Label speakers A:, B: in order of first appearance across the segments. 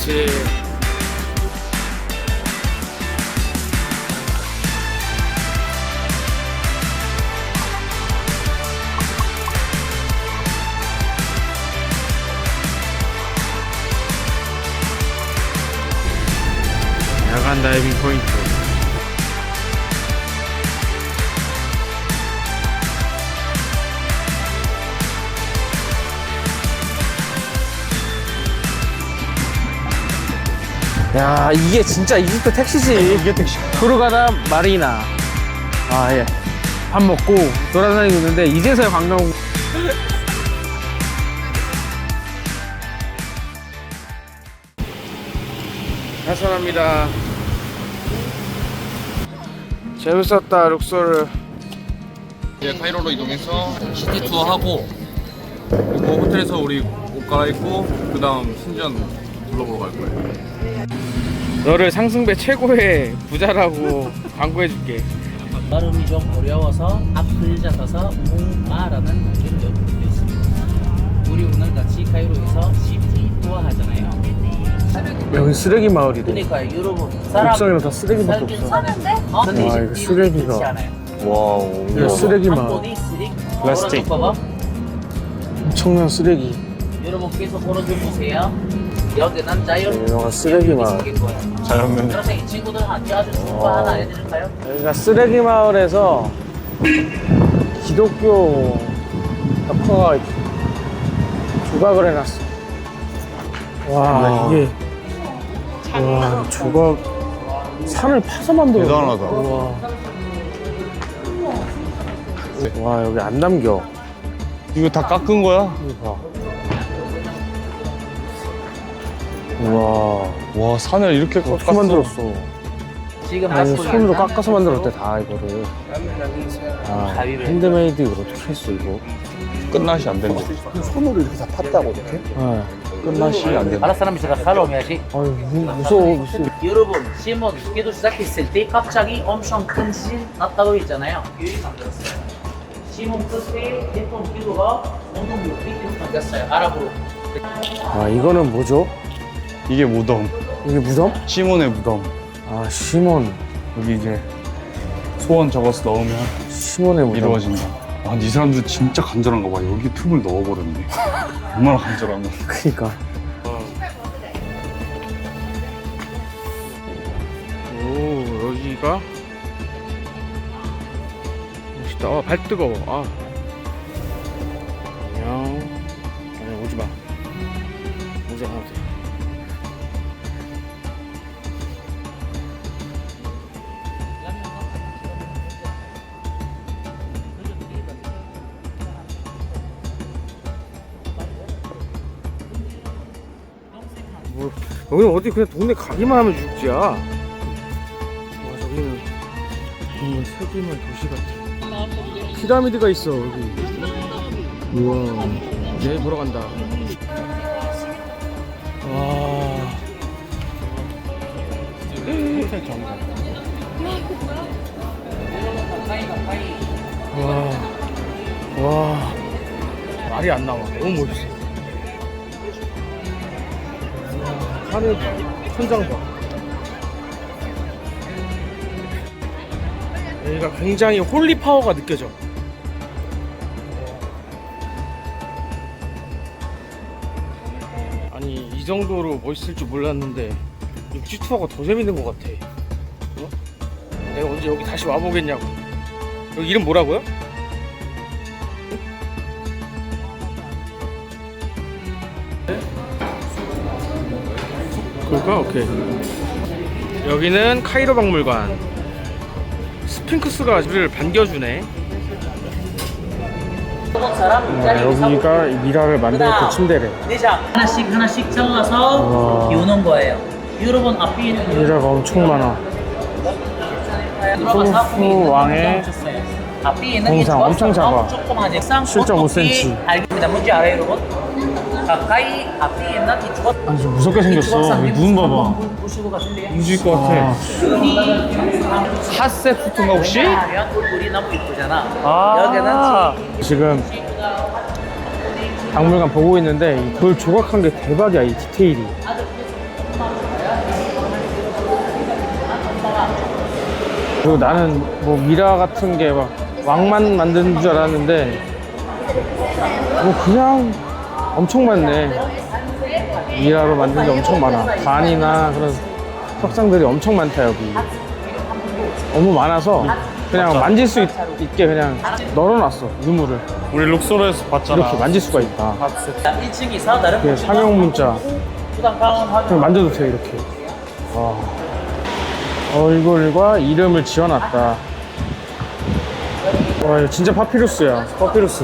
A: 그렇지. 야간 다이빙 포인트. 야, 이게 진짜 이집트 택시지.
B: 이게 택시.
A: 후르가다 마리나. 아, 예. 밥 먹고 돌아다니고 있는데 이제서야 관광. 하산합니다. 재밌었다, 룩소르.
B: 이제 카이로로 이동해서 시티 투어 하고, 그리고 호텔에서 우리 옷 갈아입고 그 다음 신전 둘러보러 갈 거예요.
A: 너를 상승배 최고의 부자라고 광고해줄게.
C: 발음이 좀 어려워서 앞을 잡아서 무마라는 단계를 외우고 있습니다. 우리 오늘 같이 카이로에서 시티 투어 하잖아요.
A: 여기 쓰레기 마을이래.
C: 그러니까 여러분 사람
A: 옥상에는 다 쓰레기밖에
C: 살긴
A: 없어.
C: 사는데
A: 와, 이거 쓰레기가.
B: 와우.
A: 이거 쓰레기 마을.
C: 한번이 쓰레기
B: 플라스틱.
C: 봐봐.
A: 엄청난 쓰레기.
C: 여러분 계속 걸어줘 보세요. 여기는 자연.
A: 여기가 쓰레기 마을.
B: 자연면.
C: 그래서 이 친구들한테 아주 좋은 거 하나 알려드릴까요?
A: 여기가 쓰레기 마을에서 기독교 덕화가 이렇게 조각을 해놨어. 와, 이게. 와, 조각. 산을 파서 만들어.
B: 대단하다.
A: 와, 여기 안 남겨.
B: 이거 다 깎은 거야?
A: 이거 봐. 우와.
B: 와, 산을 이렇게
A: 어떻게
B: 깎았어.
A: 만들었어?
C: 지금
A: 아니,
C: 마스크
A: 손으로
C: 있나?
A: 깎아서 만들었대, 다 이거를. 아, 핸드메이드 이걸 어떻게 했어, 이거?
B: 끝맛이 안 된대.
D: 손으로 이렇게 다 팠다고 이렇게?
A: 네.
B: 끝맛이 안 된대.
C: 알아 사람이 제가 살아오면야지.
A: 아유, 무서워, 무서워.
C: 여러분, 시몬 기도 시작했을 때 갑자기 엄청 큰 지진 났다고 했잖아요. 유리 만들었어요. 시몬 그때 대통령 기도가 온통 600km 바뀌었어요. 아랍으로.
A: 아, 이거는 뭐죠?
B: 이게 무덤.
A: 이게 무덤?
B: 시몬의 무덤.
A: 아, 시몬.
B: 여기 이제 소원 적어서 넣으면
A: 시몬의 무덤.
B: 이루어진다. 아, 근데 이 사람들 진짜 간절한가 봐. 여기 틈을 넣어버렸네. 얼마나 간절하면.
A: 그니까. 오, 여기가 멋있다. 아, 발 뜨거워. 아. 안녕. 아니, 오지 마. 오지 마. 뭐, 여기는 어디 그냥 동네 가기만 하면 육지야. 와, 저기는 정말 세계만 도시 같아. 피라미드가 있어, 여기. 우와. 내일 보러 간다. 와. 와. 와. 말이 안 나와. 너무 멋있어. 하늘 봐, 천장 봐. 여기가 굉장히 홀리 파워가 느껴져. 아니, 이 정도로 멋있을 줄 몰랐는데 육지 투어가 더 재밌는 것 같아. 어? 내가 언제 여기 다시 와보겠냐고. 여기 이름 뭐라고요? 그럴까? 오케이. 여기는 카이로 박물관. 스핑크스가 우리를 반겨주네. 여기가 미라를 만들었던 침대래.
C: 내장 하나씩 하나씩 잘라서 비우는 거예요. 여러분 앞에 있는
A: 미라가 엄청 많아. 소프 왕의
C: 앞에 있는
A: 동상 엄청 작아.
C: 조그마한
A: 7.5cm.
C: 알겠습니다. 뭔지 알아요, 여러분? 가까이 앞에 있는 이 주걱
A: 아니, 좀 무섭게 생겼어. 여기 눈 봐봐.
C: 보시고 가실래요?
A: 잊을 것 같아.
B: 핫세프트인가 혹시?
C: 우리 너무 이쁘잖아.
A: 아,
C: 여기는
A: 지금 박물관 보고 있는데 이 돌 조각한 게 대박이야, 이 디테일이. 그리고 나는 뭐 미라 같은 게 막 왕만 만드는 줄 알았는데 뭐 그냥 엄청 많네. 미라로 만든 게 엄청 많아. 반이나 그런 석상들이 엄청 많다 여기. 너무 많아서 그냥 만질 수 있게 그냥 널어놨어 유물을.
E: 우리 룩소르에서 봤잖아.
A: 이렇게 만질 수가 있다.
C: 1층에서 다른
A: 이게 상용 문자
C: 투탕카몬
A: 그냥
C: 확인.
A: 만져도 돼 이렇게. 와. 얼굴과 이름을 지어놨다. 와 이거 진짜 파피루스야. 파피루스.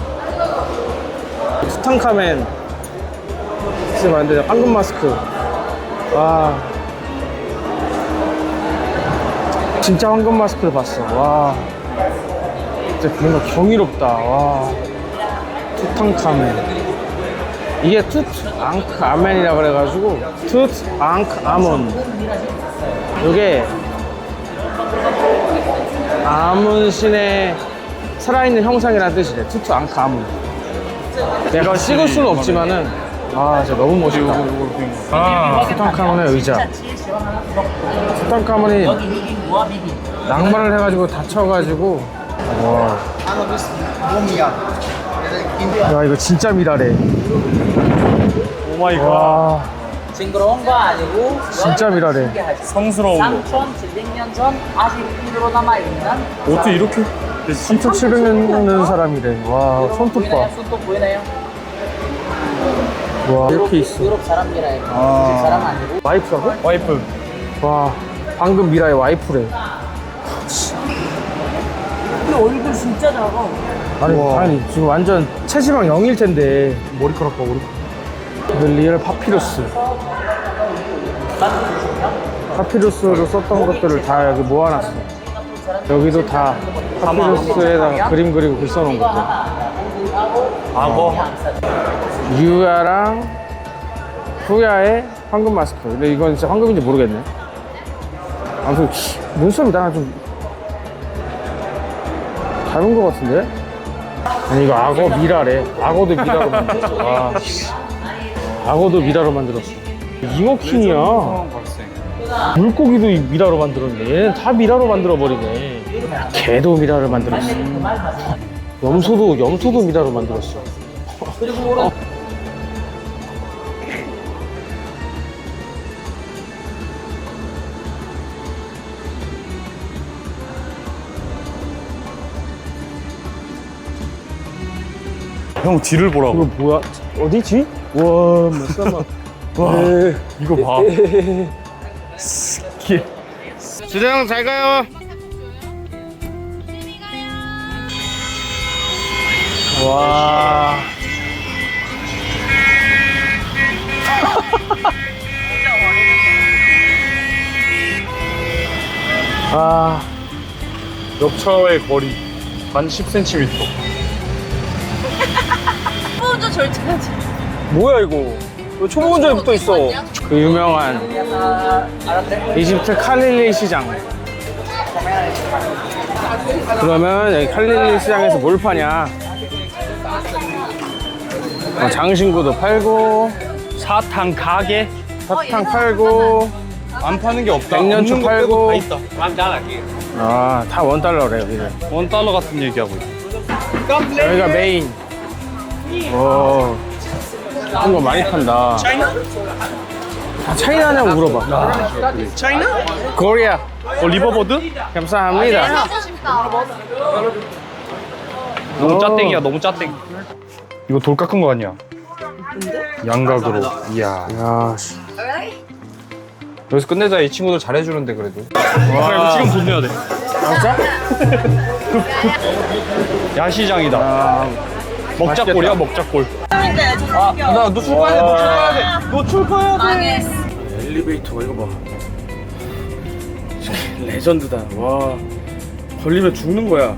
A: 투탕카멘 진짜 많은데 황금 마스크. 와 진짜 황금 마스크를 봤어. 와 진짜 뭔가 경이롭다. 와 투탕카멘. 이게 투탕카멘이라 그래가지고 투탕카몬. 이게 아문 신의 살아있는 형상이라는 뜻이래. 투탕카몬. 내가 찍을 수는 없지만은 아 진짜 너무 멋있다.
E: 아,
A: 투탕카몬의 의자. 투탕카몬이
C: 여기 미긴 뭐야 미긴.
A: 낭만을 해가지고 다쳐가지고 와. 야 이거 진짜 미라래.
E: 오마이갓.
A: 와
C: 징그러운 거 아니고
A: 진짜 미라래.
E: 성스러운 거.
C: 3,700년 전 아직 그대로 남아있는
E: 어떻게 이렇게?
A: 3,700년 사람이래. 와 손톱 봐.
C: 보이나요? 손톱 보이나요?
A: 와 이렇게 있어.
C: 유럽 사람이라요. 아. 사람 아니고.
A: 와이프라고?
E: 와이프.
A: 와 방금 미라의 와이프래.
C: 근데 얼굴 진짜 작아.
A: 아니 지금 완전 체지방 0일 텐데 머리카락 봐 머리카락. 리얼 파피루스. 파피루스로 썼던 것들을 다 여기 모아놨어. 여기도 다 파피루스에다가 그림 그리고 글 써놓은 것들.
E: 악어.
A: 유야랑 후야의 황금 마스크. 근데 이건 진짜 황금인지 모르겠네. 아무튼 눈썹이 나랑 좀 닮은 것 같은데? 아니 이거 악어 미라래. 악어도 미라로 만들었어. 와, 악어도 미라로 만들었어. 잉어킹이야. 물고기도 미라로 만들었네. 얘는 다 미라로 만들어버리네. 개도 미라를 만들었어. 염소도 미라로 만들었어.
C: 그리고
E: 형 뒤를
A: 이거
E: 보라고.
A: 뭐야? 어디지? 와, 잠깐만. 와,
E: 이거 봐.
A: 주대형 잘 가요. 와. 아,
E: 역차와의 거리 단 10cm.
F: 먼저 절제하지.
A: 뭐야 이거? 왜 초보 운전에 붙어 있어? 그 유명한 이집트 칼릴리 시장. 그러면 여기 칼릴리 시장에서 뭘 파냐? 장신구도 팔고,
E: 사탕 가게.
A: 사탕 팔고,
E: 안 파는 게 없다.
A: 백년초
E: 없는 거
A: 팔고.
E: 빼고 다 있다.
A: 아, 다 $1래 여기는.
E: $1 같은 얘기하고 있어.
A: 여기가 메인. 오, 그런 거 많이 판다. 다 차이나냐고 물어봐.
E: 차이나?
A: 코리아.
E: 리버보드?
A: 감사합니다.
E: 너무 짜땡이야, 너무 짜땡. 이거 돌 깎은 거 아니야? 양각으로. 이야.
A: 야, 씨.
E: 여기서 끝내자. 이 친구들 잘해주는데 그래도. 와, 이거 지금 돈 내야 돼.
A: 진짜?
E: 야시장이다.
A: 아,
E: 먹자골이야, 먹자골.
A: 나 노출 가야 돼, 노출 가야 돼. 노출 가야 돼.
F: 망했어.
A: 엘리베이터가 이거 봐. 레전드다. 와, 걸리면 죽는 거야.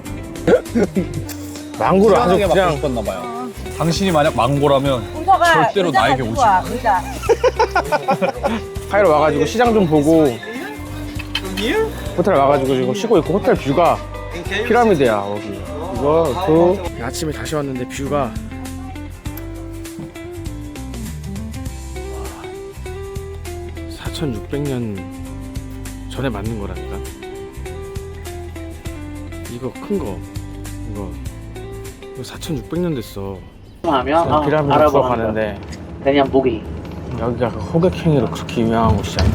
A: 망고를 아주 그냥
E: 당신이 만약 망고라면 절대로 나에게 오지 마.
A: 카이로 와가지고 시장 좀 보고 호텔 와가지고 지금 쉬고 있고 호텔 뷰가 피라미드야 여기. 이거 아침에 다시 왔는데 뷰가 4,600년 전에 만든 거라니까. 이거 큰 거. 이거 4,600년 됐어.
C: 하면
A: 피라미드
C: 알아보는
A: 보러 가는데
C: 그냥 보기.
A: 여기가 호객행위로 그렇게 유명한 곳이야.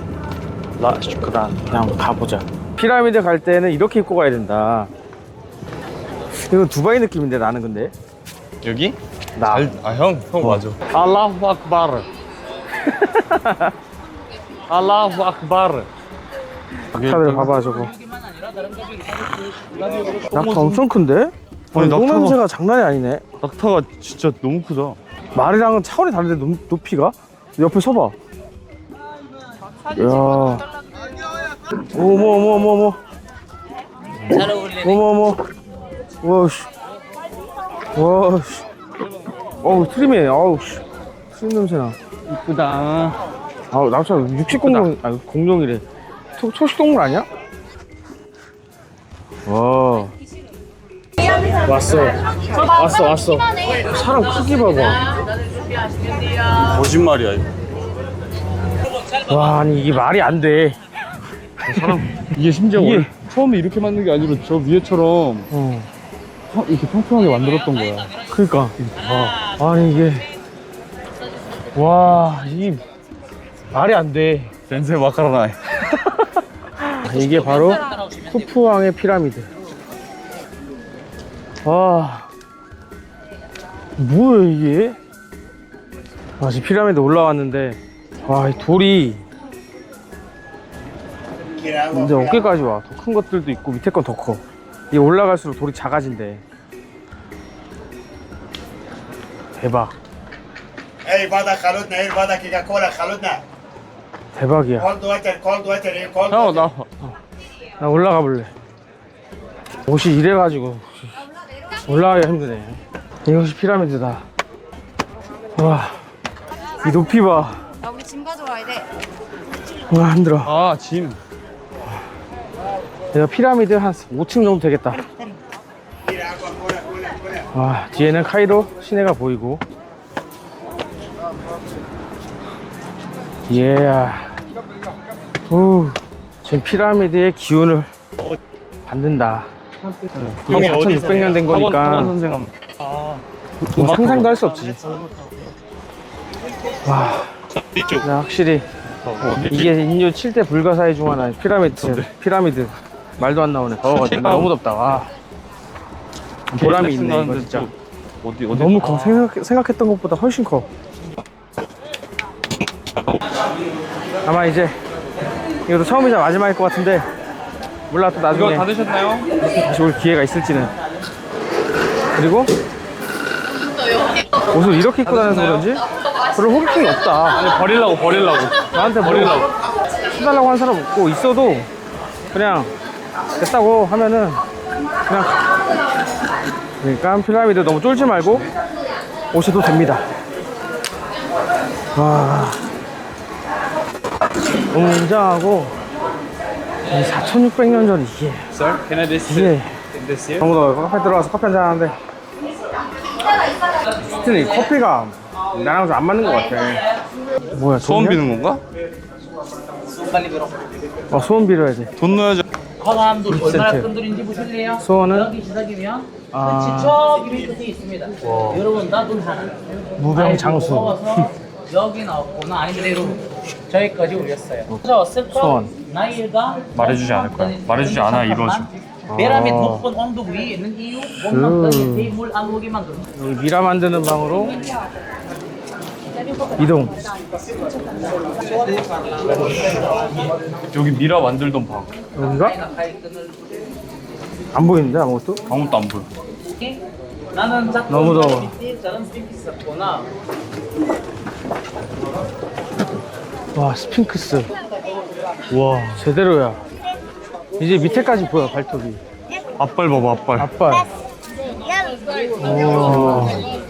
A: 라슈크란. 그냥 가보자. 피라미드 갈 때는 이렇게 입고 가야 된다. 이건 두바이 느낌인데 나는 근데.
E: 여기?
A: 나.
E: 형 맞아.
A: 알라후 악바르. 알라후 악바르. 낙타들 봐봐 저거. 낙타 엄청 큰데? 아니,
E: 낙타가-
A: 똥냄새가 장난이 아니네.
E: 낙타가 진짜 너무 크다.
A: 말이랑은 차원이 다른데 높이가? 옆에 서봐. 야. 어머.
C: 잘 어울리네.
A: 어머. 와씨. 어우 트림이네. 아우 씨. 트림 냄새나.
E: 이쁘다.
A: 아우 낙타 육식 공룡 아니 공룡이래. 초식 동물 아니야? 와. 왔어. 사람 크기 봐봐.
E: 거짓말이야 이거.
A: 와 아니 이게 말이 안 돼.
E: 이게 심지어
A: 이게-
E: 원래 처음에 이렇게 만든 게 아니라 저 위에처럼 이렇게 평평하게 만들었던 거야.
A: 그니까. 아니 이게 와 이게 말이 안 돼.
E: 센세 마카로나.
A: 이게 바로 후프왕의 피라미드. 와 뭐야 이게? 지금 피라미드 올라왔는데 와 이 돌이 이제 어깨까지 와. 더 큰 것들도 있고 밑에 건 더 커. 이게 올라갈수록 돌이 작아진대. 대박.
G: اي بعدها خلطنا ايه بعدها كيكا كولا خلطنا
A: 대박이야.
G: كولد واتر ايه كولد
E: 형 나.
A: 나 올라가 볼래. 옷이 이래가지고 올라가기가 힘드네. 이것이 피라미드다. 와, 이 높이 봐.
F: 야, 우리 짐 가져와야 돼.
A: 와, 힘들어.
E: 아 짐.
A: 내가 피라미드 한 5층 정도 되겠다. 와, 뒤에는 카이로 시내가 보이고. 예. 지금 피라미드의 기운을 받는다. 이게 4,600년 된 거니까
E: 선생님.
A: 뭐 상상도 할 수 없지. 와, 야, 확실히 이게 인류 7대 불가사의 중 하나. 피라미드 말도 안 나오네. 더워가지고 너무 덥다. 와, 보람이 있네 이거 진짜.
E: 어디
A: 너무 커. 생각했던 것보다 훨씬 커. 아마 이제 이것도 처음이자 마지막일 것 같은데 몰라. 또 나중에
E: 이거 다 드셨나요?
A: 다시 올 기회가 있을지는. 그리고 옷을 이렇게 입고 다녀서 그런지 별로 호기심이 없다.
E: 버리려고.
A: 나한테 버리려고 해달라고 한 사람 없고, 있어도 그냥 됐다고 하면은 그냥 그러니까 피라미드 너무 쫄지 말고 오셔도 됩니다. 와, 너무 웅장하고 4,600년 전 이게
E: Sir, can I
A: 이게
E: this here?
A: 너무 더워. 카페 들어가서 커피 한잔 하는데 스티는 이 커피가 나랑 좀 안 맞는 것 같아. 뭐야,
E: 소원
A: 돈이야?
E: 비는 건가?
A: 소원 빌어야 돼.
E: 돈 넣어야지.
C: 광안도 얼마나
A: 센트.
C: 큰 돌인지 보실래요?
A: 소원은?
C: 여기 시작이면 끝이 저기 끝에 있습니다. 여러분 나돈 하나.
A: 무병장수.
C: 먹어서 여기 나왔구나. 아니 그대로 저기까지 올렸어요. 왔을 거
A: 소원.
C: 나이가
E: 말해주지 않을 거야. 말해주지 않아, 이루어져.
C: 베라밋 높은 언덕 위에 있는 이유 몸만 떠니 물안 오게 만드는.
A: 여기 미라 만드는 방으로 이동.
E: 여기 미라 만들던 방.
A: 여기가? 안 보이는데 아무것도?
E: 아무것도 안 보여.
C: 나는 자꾸
A: 너무 더워.
C: 저런 스틱 있었구나.
A: 와, 스핑크스. 와, 제대로야. 이제 밑에까지 보여, 발톱이.
E: 앞발 봐봐, 앞발.
A: 앞발. 와.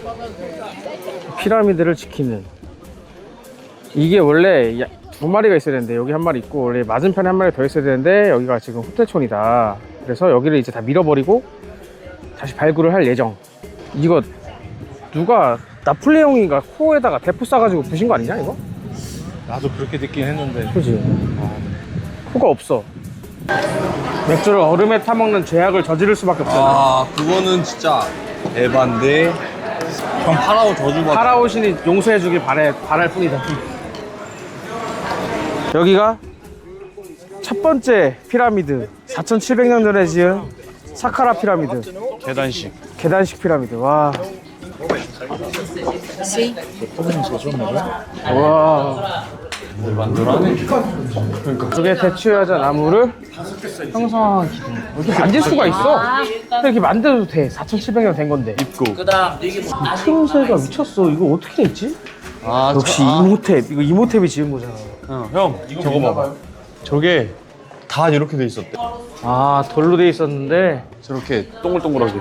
A: 피라미드를 지키는. 이게 원래 두 마리가 있어야 되는데 여기 한 마리 있고, 원래 맞은편에 한 마리 더 있어야 되는데 여기가 지금 호텔촌이다. 그래서 여기를 이제 다 밀어버리고 다시 발굴을 할 예정. 이거 누가 나폴레옹이가 코에다가 대포 쏴가지고 부신 거 아니냐 이거?
E: 나도 그렇게 듣긴 했는데.
A: 그지? 코가 없어. 맥주를 얼음에 타먹는 죄악을 저지를 수밖에 없잖아.
B: 아 그거는 진짜 에반데. 형 파라오 저주받아.
A: 파라오 신이 용서해주길 바랄 뿐이다. 여기가 첫 번째 피라미드, 4,700년 전에 지은 사카라 피라미드. 계단식 피라미드. 와. 와. 저게 대추여자 나무를 형성한 기둥. 이렇게 만질 수가 있어. 근데 이렇게 만들어도 돼. 4,700년 된 건데.
C: 그다음 이게 뭐
A: 틈새가 미쳤어. 이거 어떻게 됐지? 역시 이모탭. 이거 이모탭이 지은 거잖아.
E: 형 저거 봐봐. 저게 다 이렇게 돼 있었대.
A: 아, 돌로 돼 있었는데.
E: 저렇게 동글동글하게.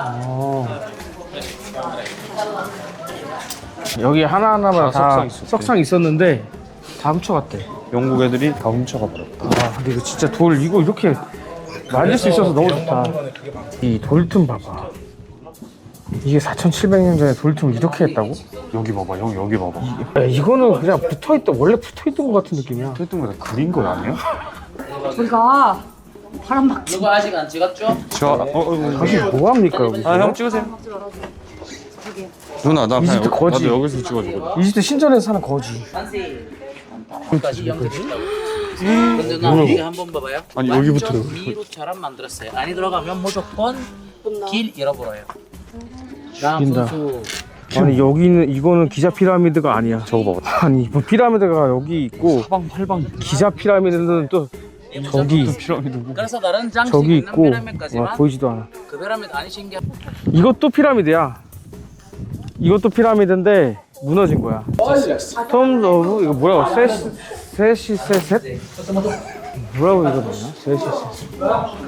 A: 여기 하나하나마다
E: 다
A: 다
E: 석상 있었대.
A: 석상 있었는데 다 훔쳐갔대.
E: 영국 애들이 다 훔쳐가 버렸다.
A: 아, 근데 이거 진짜 돌 이거 이렇게 만질 수 있어서 너무 좋다. 이 돌틈 봐봐. 이게 4,700년 전에 돌틈을 이렇게 했다고?
E: 여기 봐봐, 형 여기 봐봐.
A: 야, 이거는 그냥 붙어있던 원래 붙어있던 것 같은 느낌이야.
E: 했던 거다 그린 거 아니야?
F: 우리가 바람 막
C: 누가 아직 안 찍었죠?
A: 당신 뭐 합니까 여기?
E: 형 찍으세요. 누나 나 그냥
A: 이집트 거지.
E: 나도 여기서 찍어줘.
A: 이집트 신전에서 사는 거지.
C: 산세 까지 연결했다고. 근데 나 이게 한번 봐봐요.
E: 아니, 여기부터
C: 완전 미루처럼 만들었어요. 안에 들어가면 무조건 길 잃어버려요. 다음
A: 죽인다.
C: 선수
A: 아니 여기는 이거는 기자 피라미드가 아니야. 저거 봐봐. 아니 뭐 피라미드가 여기 있고
E: 팔방
A: 기자 피라미드는 또 저기
E: 피라미드고.
C: 그래서 다른 장식
A: 저기
C: 있는
A: 있고
C: 피라미드까지만
A: 와, 보이지도 않아.
C: 그 피라미드 아니신 게
A: 이것도 피라미드야. 이것도 피라미드인데 무너진 거야. 톰 오브 이거 뭐라고? 세시세셋? 뭐라고 읽어봤나? 세시세셋.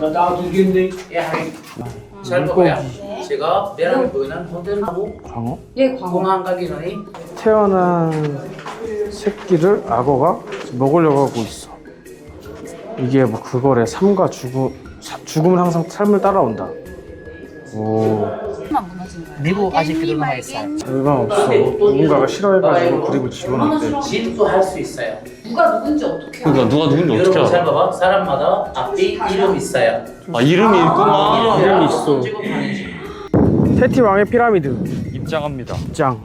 C: 잘 봐봐요. 제가 내랑 보이는 호텔하고
A: 광어?
F: 예, 광어.
C: 공항 가기 전에
A: 태어난 새끼를 악어가 먹으려고 하고 있어. 이게 뭐 그거래. 삶과 죽음은 항상 삶을 따라온다. 오.
C: 미국 아직 그들 남아 있어요.
A: 별거 없어. 누군가가 싫어해가지고 그립을 지워놨대.
C: 진도 할 수 있어요.
F: 누가 누군지 어떻게
E: 그러니까 누가 누군지 어떻게
C: 여러분 잘
E: 알아?
C: 봐봐. 사람마다 앞에 이름 있어요.
E: 아 이름이 있구나.
A: 이름이 있어. 테티 왕의 피라미드
E: 입장합니다.
A: 짱.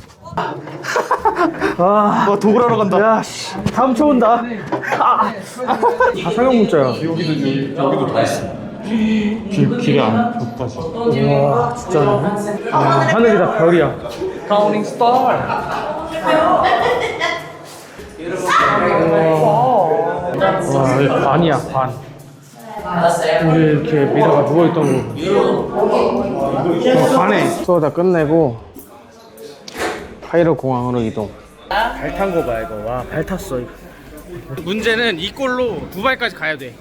A: 아,
E: 도굴하러 간다.
A: 야, 씨, 다음 초 온다. 아, 상형 문자야.
E: 여기도 다 있어. 길에 안 좁다지.
A: 와, 진짜. 하늘이 다 별이야.
E: 카운팅 스타.
A: 와, 여기 관이야, 관. 우리 이렇게 미라가 누워있던 거. 관에. 수어 다 끝내고, 카이로 공항으로 이동. 발 탄 거 봐, 이거. 와, 발 탔어, 이거. 문제는 이 꼴로 두바이까지 가야 돼.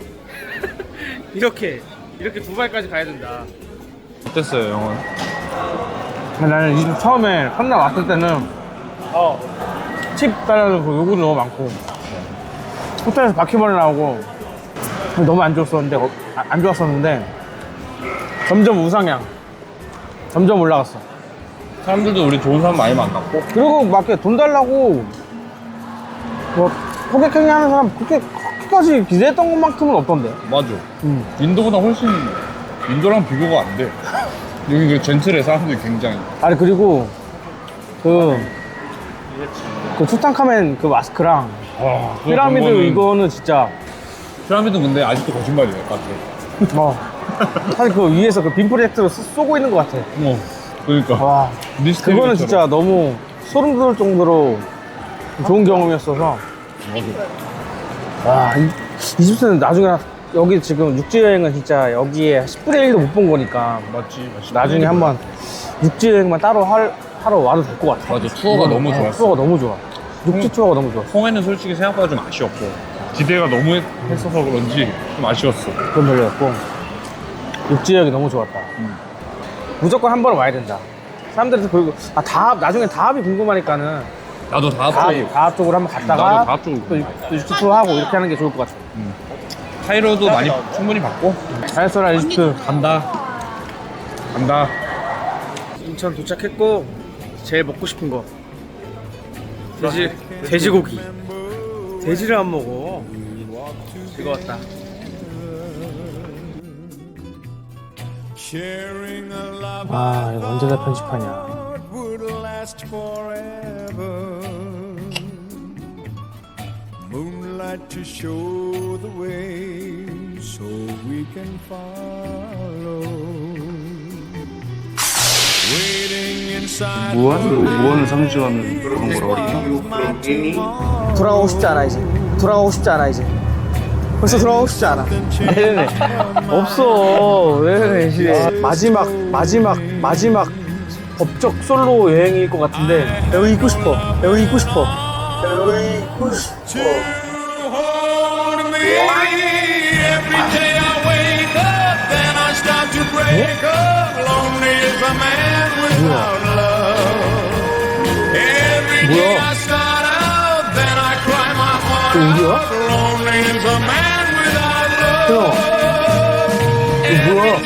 A: 이렇게 두바이까지 가야 된다.
E: 어땠어요, 영원?
A: 나는 이 처음에 컨나 왔을 때는 팁 달라고 요구도 너무 많고 호텔에서 바퀴벌레 나오고 너무 안 좋았었는데 점점 우상향, 점점 올라갔어.
E: 사람들도 우리 좋은 사람 많이 만났고.
A: 그리고 막 돈 달라고 뭐 호객행위 하는 사람 그렇게까지 기대했던 것만큼은 없던데.
E: 맞아. 인도보다 훨씬 인도랑 비교가 안 돼. 여기 그 젠틀해 사람들이 굉장히.
A: 아니 그리고 그 투탕카멘 그 마스크랑
E: 와,
A: 피라미드 이거는 진짜
E: 피라미드 근데 아직도 거짓말이야 같아.
A: 사실 그 위에서 그 빔 프로젝트로 쏘고 있는 것 같아.
E: 그러니까.
A: 와,
E: 미스테리
A: 그거는
E: 것처럼.
A: 진짜 너무 소름 돋을 정도로 좋은 경험이었어서. 와, 이집트는 나중에 여기 지금 육지 여행은 진짜 여기에 10분의 1도 못 본 거니까
E: 맞지.
A: 나중에 한번 육지 여행만 따로 하러 와도 될 것 같아.
E: 맞아. 투어가 너무 좋았어.
A: 투어가 너무 좋아. 육지 투어가 너무 좋았어.
E: 홍해는 솔직히 생각보다 좀 아쉬웠고 기대가 너무 했어서 그런지 좀 아쉬웠어.
A: 그건 별로였고 육지 여행이 너무 좋았다. 무조건 한 번 와야 된다. 사람들이 그리고 다합 나중에 다합이 궁금하니까는
E: 나도
A: 다합 쪽으로 한번
E: 나도
A: 갔다가
E: 다합 쪽으로
A: 또 육지 투어 하고 이렇게 하는 게 좋을 것 같아.
E: 카이로도 많이 충분히 봤고.
A: 잘 써라 이집트.
E: 간다.
A: 인천 도착했고 제일 먹고 싶은 거 돼지고기. 돼지를 안 먹어. 즐거웠다.
G: Sharing a love
A: 아 이거 언제 다 편집하냐.
G: would last forever. Moonlight to show the way so we can follow. Waiting inside
E: 무한을 상징하는 그런 거라고
D: 돌아가고 싶지 않아 이제. 돌아가고 싶지 않아 이제. 벌써 돌아가고 싶지 않아.
A: 네네. 없어. 네네 시대.
D: 마지막 법적 솔로 여행일 것 같은데 여기 있고 싶어. 여기 있고 싶어. 여기 있고 싶어.
G: hold me. Every day I wake up, then I start to break up. Lonely is a man without love. Every day I start out, then I cry my heart out. Lonely is a man without love.
D: 이거 뭐야?